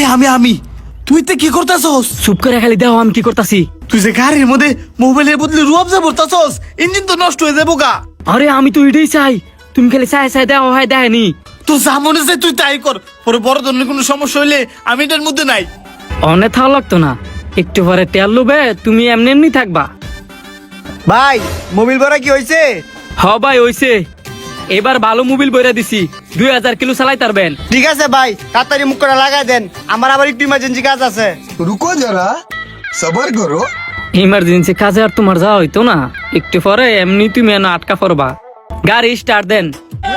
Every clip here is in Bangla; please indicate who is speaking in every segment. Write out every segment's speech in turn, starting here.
Speaker 1: আমি তুই তে কি করতাছস?
Speaker 2: চুপ করে খালি দেও আমি কি করতাছি।
Speaker 1: তুই যে গাড়ির মধ্যে মোবাইলের বদলে রুয়াবজা ভরতাছস, ইঞ্জিন তো নষ্ট হয়ে যাবো গা।
Speaker 2: আরে আমি তো এটাই চাই, তুমি খালি চাই চাই দেও হয় দেয়নি।
Speaker 1: তো যা মনে চাই তুই তাই কর, পরে বড় ধরনের কোনো সমস্যা হইলে আমি এটার মধ্যে নাই।
Speaker 2: অনেক থাও লাগতো না, একটু পরে তেল লুবে তুমি এমনি এমনি থাকবা।
Speaker 3: ভাই মোবিল ভরা কি হয়েছে?
Speaker 2: হ ভাই হইছে, এবার ভালো মোবিল বইরা দিছি, 2000 কিলো চালাই তারবেন।
Speaker 3: ঠিক আছে ভাই, তাড়াতাড়ি মুখ করে লাগাই দেন, আমার আবার একটু ইমার্জেন্সি কাজ আছে।
Speaker 4: रुको जरा सबर करो।
Speaker 2: ইমার্জেন্সি কাজে আর তোমার যাওয়া হইতো না, একটু পরে এমনি তুমি এনে আটকা পড়বা। গাড়ি স্টার্ট দেন।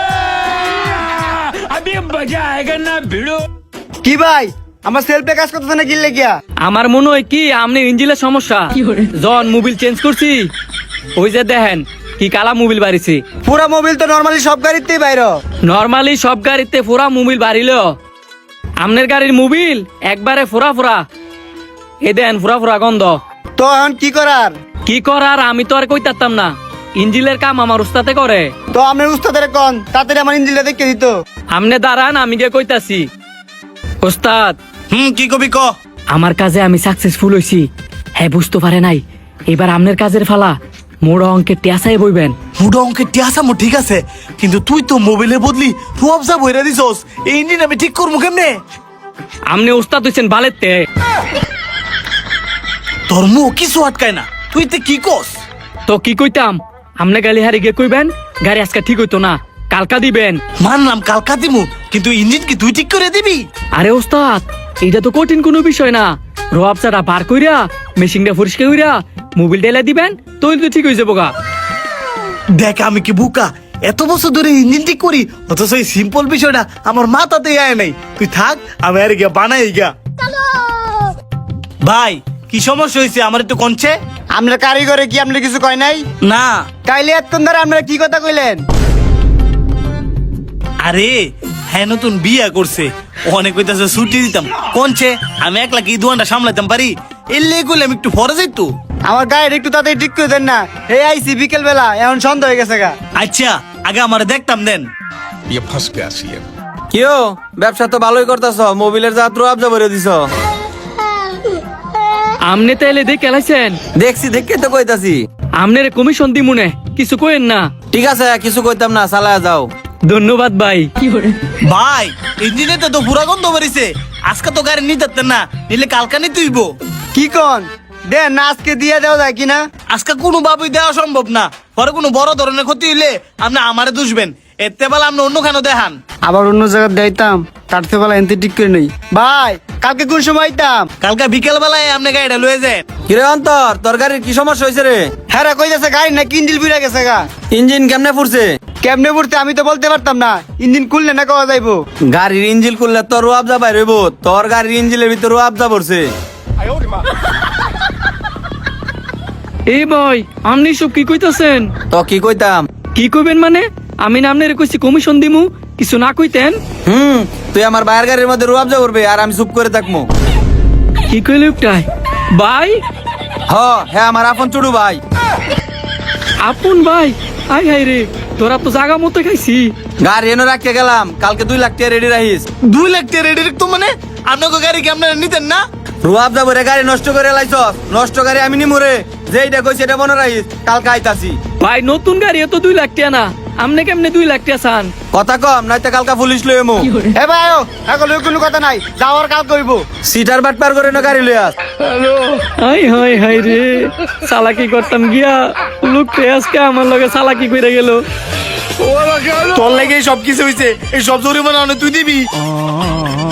Speaker 3: কি ভাই আমার সেলফে কাজ করতেছে না গিললে গিয়া?
Speaker 2: আমার মনে হয় কি আপনি ইঞ্জিনের সমস্যা। জন মোবিল চেঞ্জ করছি, ওই যে দেখেন কি কালা মোবিল বাড়িছি।
Speaker 3: পুরা মোবিল তো নরমালি সব গাড়িতেই বাইর।
Speaker 2: নরমালি সব গাড়িতে ফোরা মোবিল বাড়িল, আপনার গাড়ির মোবিল একবারে ফোরা ফোরা, এ দেন ফোরা ফোরা গন্ধ।
Speaker 3: তো এখন কি করার?
Speaker 2: কি করার আমি তো আর কইতাম না, ইঞ্জিনের কাম আমার উস্তাতে করে।
Speaker 3: তো আপনার উস্তাদের কোন তাড়াতাড়ি আমার ইঞ্জিনটা দেখে দিত।
Speaker 2: আমনে দাঁড়ান আমি গিয়ে কইতাছি। ওস্তাদ
Speaker 1: কি কবি ক।
Speaker 2: আমার কাজে আমি সাকসেসফুল হইছি। হ্যাঁ বুঝতে পারে নাই, এবার আপনার কাজের ফালা, মোড় অঙ্কের টিয়াসাই বইবেন।
Speaker 1: মুডা অঙ্কের টিয়াসা মোর ঠিক আছে, কিন্তু তুই তো মোবাইলের বদলি রুয়াবজা ভইরা দিছস, এই ইঞ্জিন আমি ঠিক করবো কেমনে?
Speaker 2: আপনি ওস্তাদ হইছেন বালেতে।
Speaker 1: তোর মুখ কিছু আটকায় না, তুই তে কি কস?
Speaker 2: তো কি কইতাম, আপনি গালি হারি গিয়ে কইবেন গাড়ি আজকে ঠিক হইতো না, কালকা দিবেন।
Speaker 1: মানলাম কালকা দিমু, কিন্তু ইঞ্জিন কি তুই ঠিক করে দিবি?
Speaker 2: আরে ওস্তাদ এইটা তো কঠিন কোনো বিষয় না, রোয়াবসাটা বার কইরা মেশিনটা পরিষ্কার কইরা মোবিল ডেলা দিবেন, তুই তো ঠিক হয়ে যাবো গা।
Speaker 1: দেখ আমি কি বুকা, এত বছর ধরে ইঞ্জিন ঠিক করি, অথচ এই সিম্পল বিষয়টা আমার মাথাতে আয় নাই। তুই থাক, আমি আর গিয়া বানাই গিয়া। ভাই কি সমস্যা হয়েছে আমার একটু কনছে?
Speaker 3: আমরা কারিগরে কি আপনি কিছু কয় নাই?
Speaker 1: না
Speaker 3: তাইলে এতক্ষণ ধরে আপনারা কি কথা কইলেন?
Speaker 1: আরে হ্যাঁ নতুন বিয়া করছে, অনেক কইতাছে ছুটি দিতাম, কনছে আমি একলা কি দোকানটা সামলাইতাম পারি, এলে কইলে আমি একটু ফরে যাইতো।
Speaker 3: আমার গাড়ি একটু তাড়াতাড়ি ঠিক করে দেন না, এই আইসি বিকেল বেলা, এখন সন্ধ্যা হয়ে গেছে গা।
Speaker 1: আচ্ছা আগে আমার দেখতাম দেন।
Speaker 4: ये फंस गया सीएम।
Speaker 5: কিও ব্যবসা তো ভালোই করতেছ, মোবিলের যাত্রা আবজা ভরে দিছ।
Speaker 2: আমনে তাইলে দেখে এলাইছেন,
Speaker 5: দেখছি দেখে তো কইতাছি।
Speaker 2: আমনের কমিশন দি মনে কিছু কইেন না।
Speaker 5: ঠিক আছে কিছু কইতাম না, চালায়া যাও।
Speaker 2: ধন্যবাদ ভাই।
Speaker 1: ভাই ইঞ্জিনে তো পুরা গন্ধ বেরিয়েছে, আজকে তো গাড়ি নিতে না, নিলে কালকা নিতে হইব।
Speaker 3: কি কন দেন না, আজকে দিয়ে দেওয়া যায় কিনা?
Speaker 1: আজকে কোনো ভাবেই দেওয়া সম্ভব না, পরে কোনো বড় ধরনের ক্ষতি হইলে আপনি আমারে দুষবেন, এতে বেলা আপনি অন্য কেন দেখান।
Speaker 3: আবার অন্য জায়গায় দিতাম, কাটতে বেলা এনতে ঠিক করে নেই। ভাই কালকে কোন সময় আইতাম?
Speaker 1: কালকে বিকেল বেলায় আপনি গাড়িটা লয়ে যান।
Speaker 5: কিরে অন্তর, তোর গাড়ির কি সমস্যা হয়েছে রে?
Speaker 3: হ্যাঁ রে, কই যাচ্ছে গাড়ি না কিন্ডিল বিড়া গেছে গা।
Speaker 5: ইঞ্জিন কেমনে ফুরছে?
Speaker 3: কেমনে পড়তে আমি তো বলতে পারতাম না, ইঞ্জিন খুললে না কওয়া যাইবো।
Speaker 5: গাড়ির ইঞ্জিন খুললে তোর আবজা বাইর হইব, তোর গাড়ির ইঞ্জিনের ভিতর আবজা পড়ছে।
Speaker 2: এই ভাই আপনি সব কি কইতাছেন?
Speaker 5: তো কি কইতাম?
Speaker 2: কি কইবেন মানে, আমি না আপনার কইছি কমিশন দিমু, কিছু না কইতেন।
Speaker 5: তুই আমার বাইরের গাড়ির মধ্যে আবজা করবে আর আমি চুপ করে থাকবো?
Speaker 2: কি কইলে উঠাই ভাই?
Speaker 5: হ্যাঁ আমার আপন চুড়ু ভাই।
Speaker 2: আপন ভাই? আই হাই রে, তোরা তো জায়গা মতো খাইছি।
Speaker 5: গাড়ি এনে রাখতে গেলাম, কালকে 2 লাখ টাকা রেডি রাখিস।
Speaker 1: 2 লাখ টাকা রেডি রাখতো মানে? আপনাকে গাড়ি কি আপনারা নিতেন না?
Speaker 5: আবজা ভরে গাড়ি নষ্ট করে লাইছ, নষ্ট গাড়ি আমি নিমুরে, যেইটা কইছি এটা মনে রাখিস, কালকে আইতাছি।
Speaker 2: ভাই নতুন গাড়ি তো 2 লাখ টাকা না, আমনে কেমনে 2 লাখ টাকা চান?
Speaker 5: কথা কম নয়তো কালকা পুলিশ লই এমু।
Speaker 3: হে ভাই আয়ো, এখন কোনো কথা নাই, যাওয়ার কাল কইবো।
Speaker 5: সিটার বাট পার করে না গাড়ি লই আস।
Speaker 2: হাই হাই হাই রে, চালাকি করতাম গিয়া লোকটা আজকে আমার লগে চালাকি কইরা গেল।
Speaker 1: তোর লাগে সবকিছু হইছে, এই সব জরিমানা তুই দিবি।